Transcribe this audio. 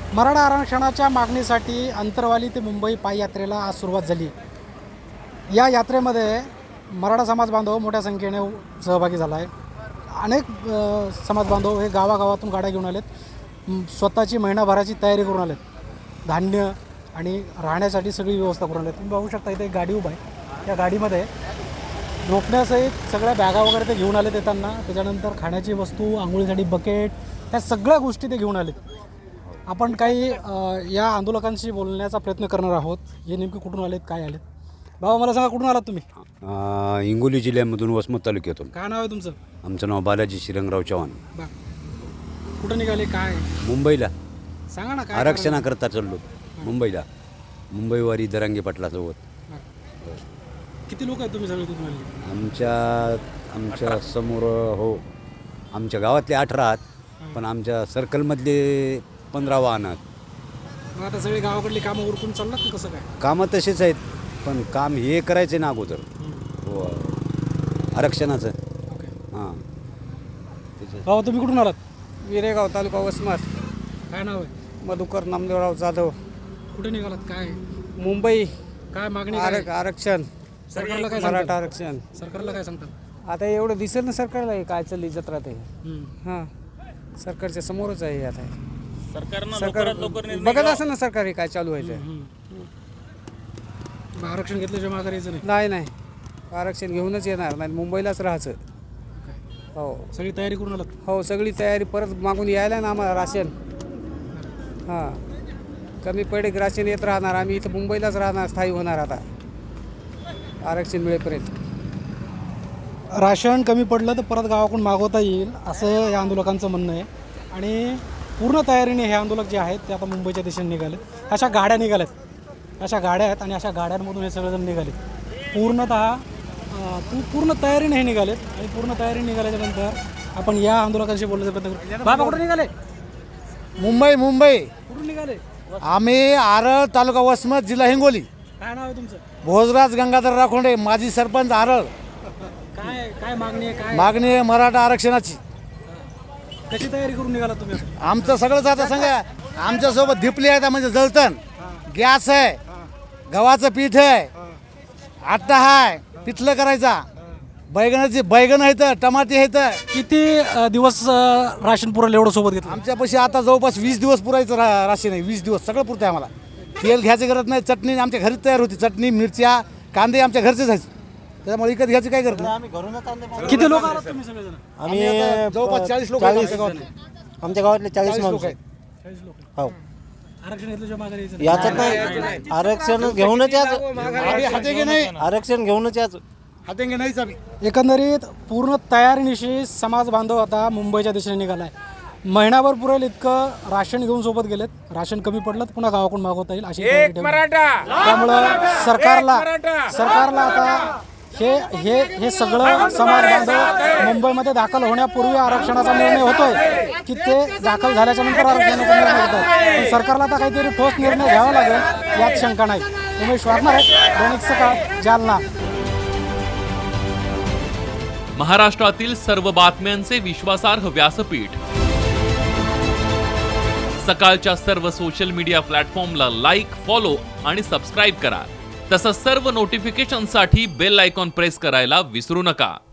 मराठा आरक्षणाच्या मागणीसाठी अंतरवाली ते मुंबई पाययात्रेला आज सुरुवात झाली। या यात्रेमध्ये मराठा समाज बांधव मोठ्या संख्येने सहभागी झाला आहे। अनेक समाज बांधव हे गावागावातून गाड्या घेऊन आलेत, स्वतःची महिनाभराची तयारी करून आलेत, धान्य आणि राहण्यासाठी सगळी व्यवस्था करून आलेत। तुम्ही बघू शकता इथे एक गाडी उभा आहे, त्या गाडीमध्ये झोपण्यासहित सगळ्या बॅगा वगैरे ते घेऊन आलेत येताना, त्याच्यानंतर खाण्याची वस्तू, आंघोळीसाठी बकेट, त्या सगळ्या गोष्टी ते घेऊन आलेत। आपण काही या आंदोलकांशी बोलण्याचा प्रयत्न करणार आहोत। हे नेमके कुठून आलेत, काय आलेत? बाबा मला सांगा, कुठून आलात तुम्ही? हिंगोली जिल्ह्यामधून वसमत तालुक्यातून। काय नाव आहे तुमचं? आमचं नाव बालाजी श्रीरंगराव चव्हाण। कुठं निघाले, काय मुंबईला सांगा ना, काय आरक्षणाकरता चाललो मुंबईला, मुंबईवारी दरांगे पाटलासोबत। किती लोक आहेत तुम्ही सगळे तिथून आले? आमच्या समोर हो, आमच्या गावातले 18 आहेत, पण आमच्या सर्कलमधले 15 वाहन आहेत। मग आता सगळे गावाकडली कामं उरकून चाललात की कसं काय? कामं तसेच आहेत, पण काम हे करायचे ना अगोदर हो आरक्षणाचं। हां बाबा तुम्ही कुठून आलात? विरेगाव तालुका वसमत। काय नाव आहे? मधुकर नामदेवराव जाधव। कुठे निघालात, काय मुंबई। काय मागणी काय? आरक्षण, सरकारला काय मराठा सांगतात? आरक्षण। सरकारला काय सांगतात? आता एवढं दिसेल ना सरकारला, हे काय चालली जत्रा ते। हम्म. हां, सरकारच्या समोरच आहे आता। सरकारनं सरकार लवकरात लवकर निर्णय बघत असेल ना सरकार हे काय चालू व्हायचं। मग आरक्षण घेतल्याशिवाय माघार यायचं नाही? नाही नाही, आरक्षण घेऊनच येणार नाही, मुंबईलाच राहायचं। हो सगळी तयारी करून आलात? हो, सगळी तयारी। परत मागून यायला ना आम्हाला राशन। हां, कमी पडे राशन येत राहणार, आम्ही इथं मुंबईलाच राहणार, स्थायी होणार आता आरक्षण मिळेपर्यंत। राशन कमी पडलं तर परत गावाकडून मागवता येईल असं या आंदोलकांचं म्हणणं आहे। आणि पूर्ण तयारीने हे आंदोलक जे आहेत ते आता मुंबईच्या दिशेने निघाले। अशा गाड्या निघाल्यात, अशा गाड्या आहेत आणि अशा गाड्यांमधून हे सगळेजण निघालेत। पूर्ण तयारीने हे निघालेत आणि पूर्ण तयारीने निघाल्याच्या नंतर आपण या आंदोलकांशी बोलण्याचा प्रयत्न करू। बाबा कुठे निघाले? मुंबई कुठून निघाले? आम्ही आरळ तालुका वसमत जिल्हा हिंगोली। काय नाव आहे तुमचं? भोजराज गंगाधर राखोंडे, माजी सरपंच आरळ। काय काय मागणी आहे, काय मागणी आहे मराठा आरक्षणाची। कशी तयारी करून निघाला तुम्ही? आमचं सगळंच आता सांगा, आमच्यासोबत धिपली आहे, म्हणजे जळतण गॅस आहे, गव्हाचं पीठ आहे, आटा आहे पिठलं करायचा, बैगन आहेत, टमाटे आहेत। किती दिवस राशन पुरेल एवढं सोबत घेतलं? आमच्यापाशी आता जवळपास 20 दिवस पुरायचं राशन आहे। 20 दिवस सगळं पुरतं आहे आम्हाला। तेल घ्यायची गरज नाही, चटणी आमच्या घरीच तयार होती, चटणी मिरच्या कांदे आमच्या घरचेच आहेत, त्याच्यामुळे विकत घ्यायची काय गरज नाही। किती लोक आलात तुम्ही सगळेजण? आम्ही जवळपास 40 लोक आमच्या गावातले 40 माणूस आहेत। 40 लोक. हो, आरक्षण घेतल्याशिवाय माघार यायचं नाही? याचं नाही, आरक्षण घेऊनच याचं, आरक्षण घेऊनच याचं। हातेंगे नाहीच आम्ही। एकंदरीत पूर्ण तयारीनिशी समाज बांधव आता मुंबईच्या दिशेने निघालाय। महिनाभर पुरेल इतकं राशन घेऊन सोबत गेलेत। राशन कमी पडलं तर पुन्हा गावाकडून मागवता येईल अशी तयारी ठेवली। त्यामुळं सरकारला आता हे सगळं समाज बांधव मुंबईमध्ये दाखल होण्यापूर्वी आरक्षणाचा निर्णय होतोय की ते दाखल झाल्याच्या नंतर आरक्षणाचा निर्णय होतोय। पण सरकारला आता काहीतरी ठोस निर्णय घ्यावा लागेल यात शंका नाही। उमेश वाघमारे, दैनिक सकाळ, जालना। महाराष्ट्रातील सर्व बातम्यांचे विश्वासार्ह व्यासपीठ, सकाळच्या सर्व सोशल मीडिया प्लॅटफॉर्मला लाईक, फॉलो आणि सबस्क्राईब करा। तसंच सर्व नोटिफिकेशनसाठी बेल आयकॉन प्रेस करायला विसरू नका।